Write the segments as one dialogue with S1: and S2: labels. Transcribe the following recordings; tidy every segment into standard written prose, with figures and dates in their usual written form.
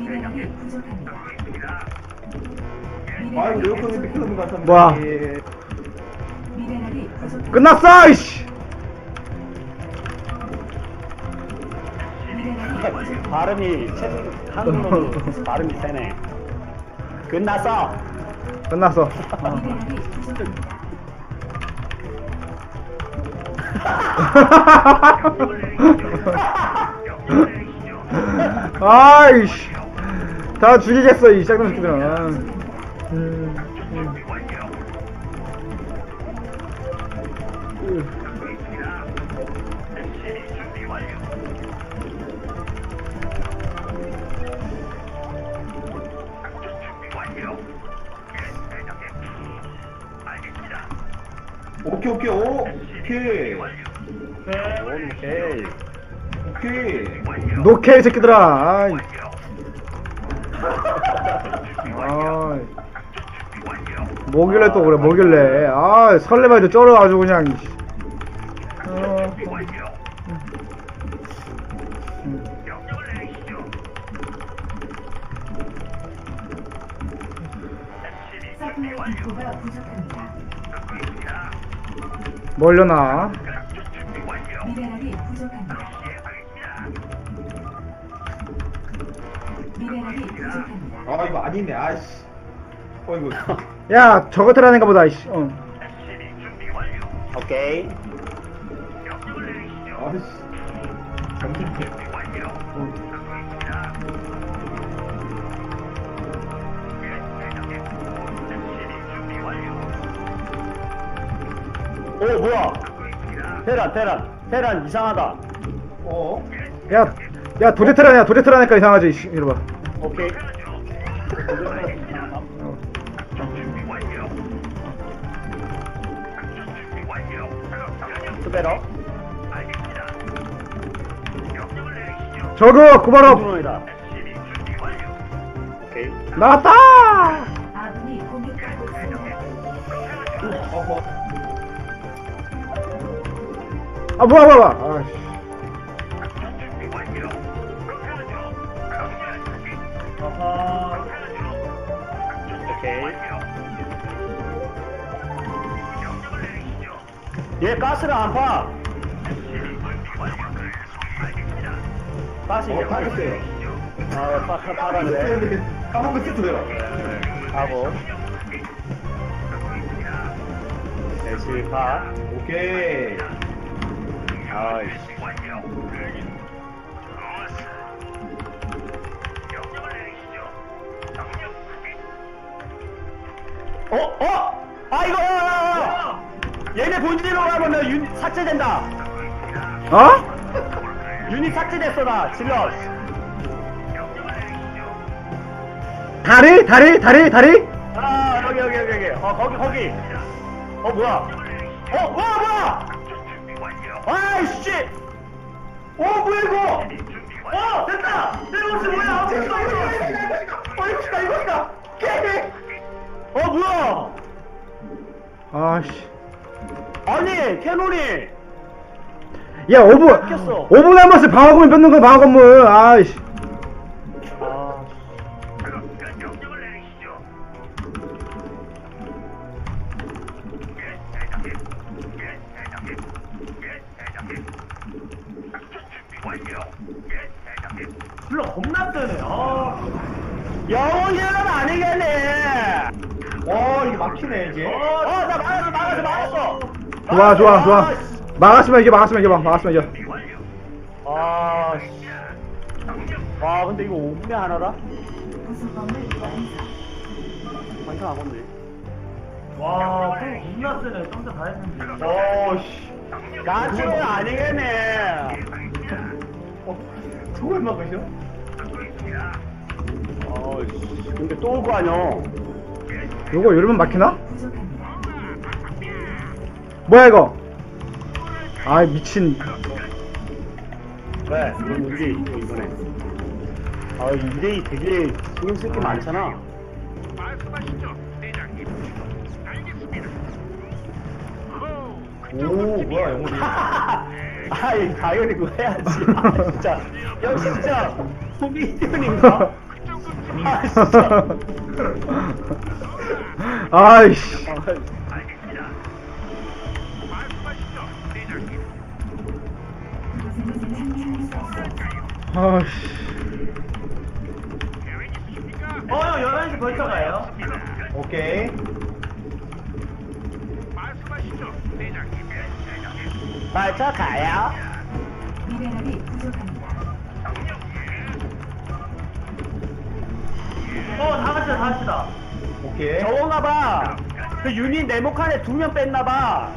S1: 미네랄이 부족합니다.
S2: 아이고 에어컨이 비켜놓은 것 같았는데.
S3: 뭐야?
S1: 미네랄이 부족합니다.
S3: 끝났어 이씨.
S1: 미네랄이 부족합니다.
S4: 발음이 한국어로 발음이 세네. 끝났어.
S3: 끝났어.
S1: 미네랄이 부족합니다.
S3: 아이씨. 다 죽이겠어 이 짝놈 새끼들은.
S2: 오케이.
S4: 오케이.
S3: 노케이 새끼들아. 아이. 아이. 뭐길래 또 그래 뭐길래. 아 설레발도 쩔어 아주 그냥.
S1: 서플라이 디포가 부족합니다.
S3: 멀려나.
S1: 미네랄이 부족합니다. 미네랄이 부족합니다.
S2: 아 이거 아니네. 아이씨. 어이구.
S3: 야 저거 테라는가 보다 이씨.
S4: 오케이.
S2: 아이씨. 잠깐만.
S4: 오 뭐야? 테란 이상하다.
S2: 어?
S3: 야 도제 테라냐 도제 테라니까 이상하지 이씨. 이리 봐.
S4: 오케이. 투베러.
S3: 저거 구바로
S4: 이다 오케이.
S3: 나왔다.
S1: 아군이 공격받고 있습니다.
S2: 어허.
S3: 아 뭐야. 아이씨.
S4: 오케이. 얘 가스를 안 파. 가스 이제
S2: 파겠어요.
S4: 파라네.
S2: 까먹고 있었어요.
S4: 하고. 대시 파.
S2: 오케이.
S4: 아이씨. 아 이거 야. 얘네 본진으로 가면 나 유닛 삭제된다.
S3: 어?
S4: 유닛 삭제됐어 나 질러.
S3: 다리?
S4: 아 여기. 거기. 뭐야? 뭐야? 아이씨. 뭐야 이거? 됐다. 내 옷이 뭐야? 이거다. 뭐야?
S3: 아씨.
S4: 아니 캐논이.
S3: 야 5분
S4: 뺏겼어.
S3: 5분 남았어. 방어구면 뺏는 거야 방어건물. 아이씨.
S4: 불러 겁나 뜨네. 영혼이는 아니겠네.
S2: 이게 막히네 이게.
S4: 나 막았어.
S3: 좋아. 막았으면 이겨.
S4: 와 근데 이거 5분에 하나라?
S1: 부수범을 완성.
S4: 완전 안 건데.
S5: 와, 겁나 세네. 깜짝 다 했는데.
S2: 씨.
S4: 가스는 아니겠네.
S2: 저걸 막으셔?
S4: 근데 또 올 거 아니야.
S3: 요거 이러면 막히나?
S1: 부족합니다.
S3: 뭐야 이거? 아이 미친.
S4: 왜? 이건 문제 있고 이번에. 2대2 되게 신경 쓸 게 많잖아.
S2: 오 뭐야 영혼이.
S4: 당연히 그거 해야지. 진짜. 역시 진짜, 호기견인가? 아 진짜.
S3: 아이씨. 아이씨.
S5: 형 11시 벌써 가요?
S2: 오케이.
S4: 발차 가요.
S1: 미네랄이 부족합니다.
S5: 다 같이 다 합시다.
S2: 오케이.
S4: 저건가봐. 그 유닛 네모칸에 2명 뺐나봐.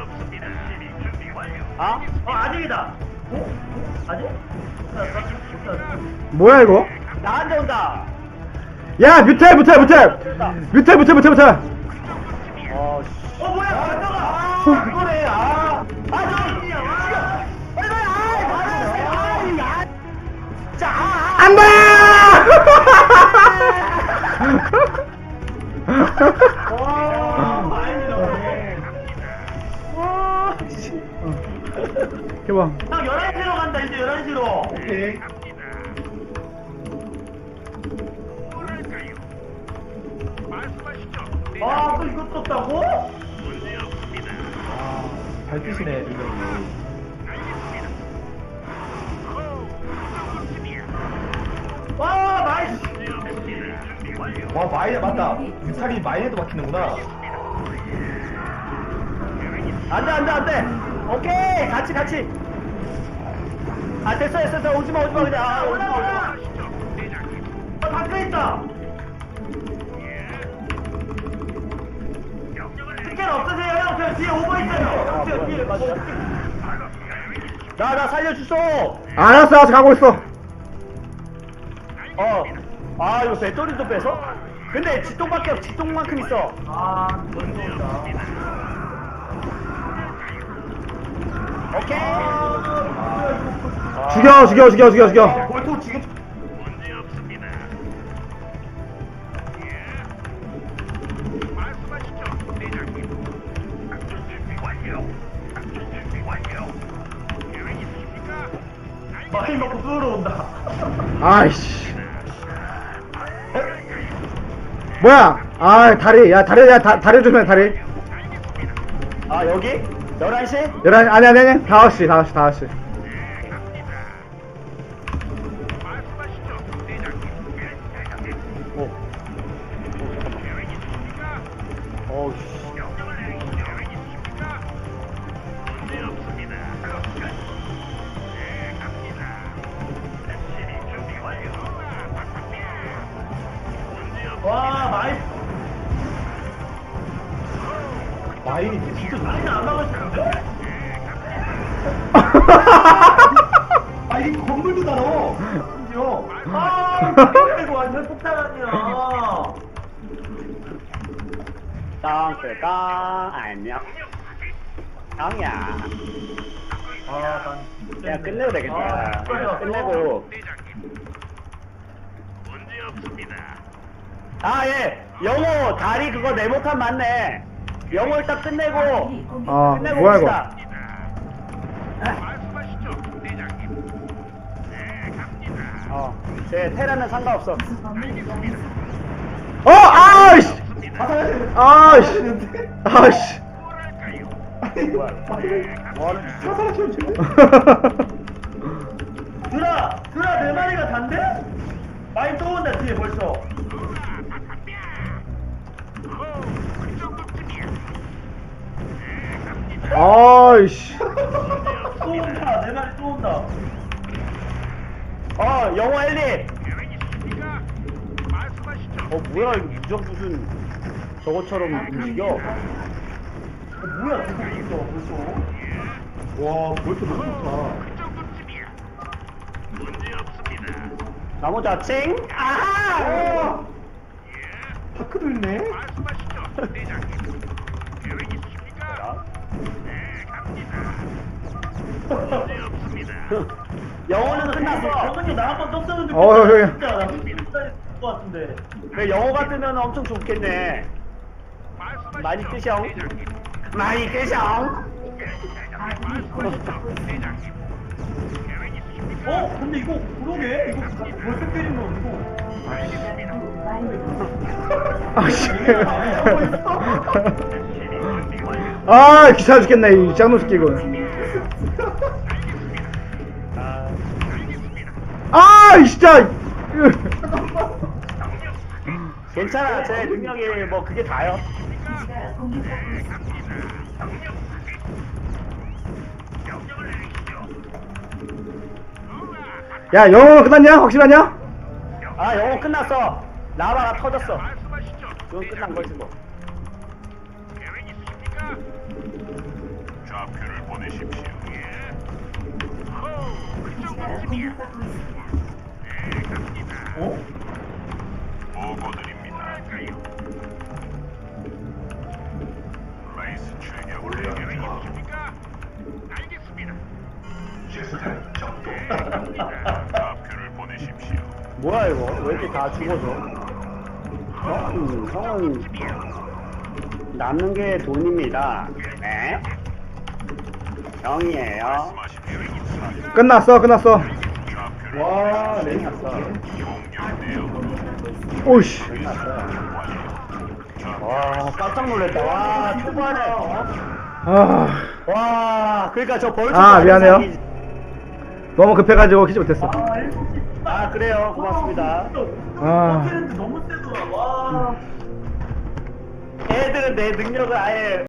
S4: 아?
S5: 아직이다. 아직? 못 찾았어.
S3: 뭐야 이거?
S4: 나한테 온다.
S3: 야 뮤테.
S4: 어, 씨.
S5: 뭐야, 반가가!
S4: 이거네, 아. 아, 저, 이거, 야. 자,
S3: 안돼.
S5: 와, 많이 들어오네.
S4: 와, 씨.
S3: 해봐.
S5: 형 11시로 간다, 이제 11시로.
S2: 오케이.
S5: 또 이거 떴다고?
S2: 잘 뛰시네, 이거.
S5: 와, 나이스!
S2: 와, 마이너 맞다. 뮤탈이 마이너도 막히는구나.
S4: 안 돼. 오케이, 같이. 아, 됐어. 오지마, 그냥. 아,
S5: 올라! 닫혀 있다! 스캔 없으세요, 형? 저 뒤에 오버 있어요. 뒤에.
S4: 나 살려주소.
S3: 알았어 가고 있어.
S4: 아, 이거 배터리도 빼서? 근데 지똥밖에 없, 지똥만큼 있어.
S5: 벌써 온다.
S4: 오케이.
S3: 죽여.
S2: 볼토 지금.
S5: 많이 먹고 뚫어온다.
S3: 아이씨. 뭐야? 아 다리. 다리 조심해 다리.
S4: 아, 여기? 11시?
S3: 11시 아니 5시.
S4: 어우, 씨.
S5: 와, 나이스.
S2: 마인이 진짜 좋네.
S5: 라인 안 막을 수 있는데?
S2: 아, 이게 건물도 달아. 심지어.
S5: 이거 완전 폭탄 아니야.
S4: 땅, 안녕. 땅이야. 야, 끝내도 되겠다. 끝내고. 아, 예. 영호, 다리 그거 네모칸 맞네. 영호 일단 끝내고. 끝내고
S3: 뭐야 이거?
S4: 봅시다. 제 테라는 상관없어.
S3: 아이씨. 아이씨.
S5: 드라 네 마리가 단데? 많이 또 온다 뒤에 벌써.
S3: 아이씨.
S5: 또 온다 네 마리 또 온다.
S4: 영호 엘리. 뭐야 이거 무적 무슨 저것처럼 움직여?
S5: 뭐야 저거 있어 벌써.
S2: 와, 볼토 너무 좋다.
S4: 나무 자칭. 아하.
S2: 다크도 있네.
S4: 영호는 끝났어.
S5: 정근이 나 한번 떴었는데
S3: 형님.
S5: 진짜 나 뜬다 것 같은데.
S4: 왜 영호가 뜨면 엄청 좋겠네. 많이 뜨셔. 많이 뜨셔.
S1: 아군이 공격받고 있습니다.
S5: 근데 이거 그러게 이거 벌써 때리면 이거
S3: 아씨. 아 귀찮아 죽겠네 이 짱놈 새끼 이거. 아 진짜.
S4: 괜찮아, 제 능력이 뭐 그게 다요.
S1: 기지가 공격받고 있습니다.
S3: 야 영어 끝났냐? 확실하냐?
S4: 아, 영어 끝났어. 라바가 터졌어. 이건 끝난 거지 뭐.
S6: 좌표를 보내십시오.
S1: 기지가 공격받고 있습니다.
S2: 어?
S6: 보고드립니다. 라이스 출격 계획 있습니까? 알겠습니다. 좌표를 보내십시오.
S4: 뭐야 이거? 왜 이렇게 다 죽어져? 형은 남는 게 돈입니다. 네? 형이에요.
S6: 말씀하십시오.
S3: 끝났어 끝났어.
S6: 좌표를
S2: 와, 레이
S4: 끝났어.
S3: 오씨.
S4: 와, 깜짝 놀랐다. 와, 초반에.
S3: 아
S4: 와, 그러니까 저 벌써.
S3: 아, 미안해요. 너무 급해가지고 키지 못했어.
S4: 아, 그래요. 고맙습니다.
S3: 아.
S5: 너무 세더라. 와.
S4: 애들은 내 능력을 아예